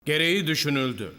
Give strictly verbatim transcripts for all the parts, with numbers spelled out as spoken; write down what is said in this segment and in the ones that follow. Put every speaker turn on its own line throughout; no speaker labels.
Gereği düşünüldü.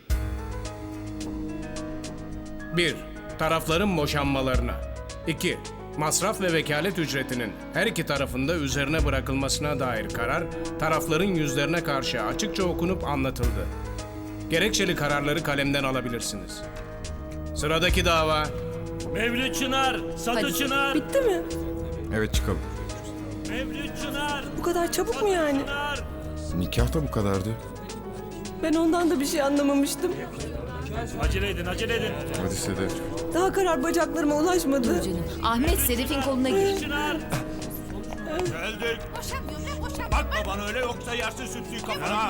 bir. Tarafların boşanmalarına. iki. Masraf ve vekalet ücretinin her iki tarafında üzerine bırakılmasına dair karar, tarafların yüzlerine karşı açıkça okunup anlatıldı. Gerekçeli kararları kalemden alabilirsiniz. Sıradaki dava.
Mevlüt Çınar, Satı
Hadi.
Çınar,
Bitti mi?
Evet, çıkalım.
Mevlüt Çınar,
Bu kadar çabuk mu yani?
Çınar.
Nikah da bu kadardı.
Ben ondan da bir şey anlamamıştım.
Acele edin, acele edin.
Hadi Sedef.
Daha karar bacaklarıma ulaşmadı.
Canım. Ahmet Sedef'in koluna gir.
Çınar. Geldik. Bakma bana öyle yoksa yersin sütlüyü kafana.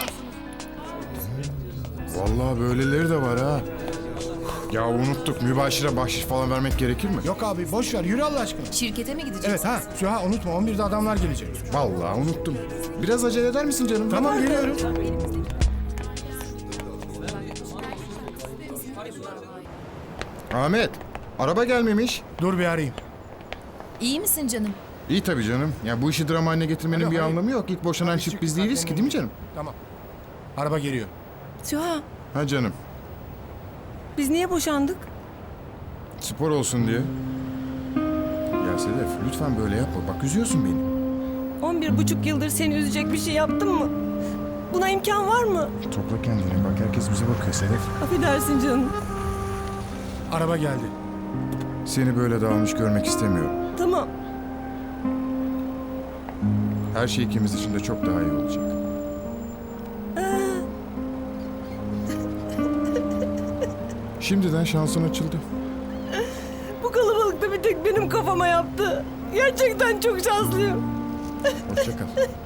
Vallahi böyleleri de var ha. Ya unuttuk. Mübaşire bahşiş falan vermek gerekir mi?
Yok abi boş ver yürü Allah aşkına.
Şirkete mi gideceğiz?
Evet ha Süha unutma on birde adamlar gelecek.
Vallahi unuttum. Biraz acele eder misin canım?
Tamam geliyorum.
Ahmet, araba gelmemiş.
Dur bir arayayım.
İyi misin canım?
İyi tabii canım. Ya bu işi drama haline getirmenin
Alo,
bir
hayır.
anlamı yok. İlk boşanan
Hadi
çift
çık,
biz değiliz
zaten
ki, değil mi canım?
Tamam. Araba geliyor.
Süha,
Ha canım.
biz niye boşandık?
Spor olsun diye. Ya Sedef, lütfen böyle yapma. Bak üzüyorsun beni.
On bir buçuk yıldır seni üzecek bir şey yaptım mı? Buna imkan var mı?
Topla kendini. Bak herkes bize bakıyor Sedef.
Affedersin canım.
Araba geldi.
Seni böyle dağılmış görmek istemiyorum.
Tamam.
Her şey ikimiz için de çok daha iyi olacak. Şimdiden şansın açıldı.
Bu kalabalıkta bir tek benim kafama yaptı. Gerçekten çok şanslıyım.
Hoşça kal.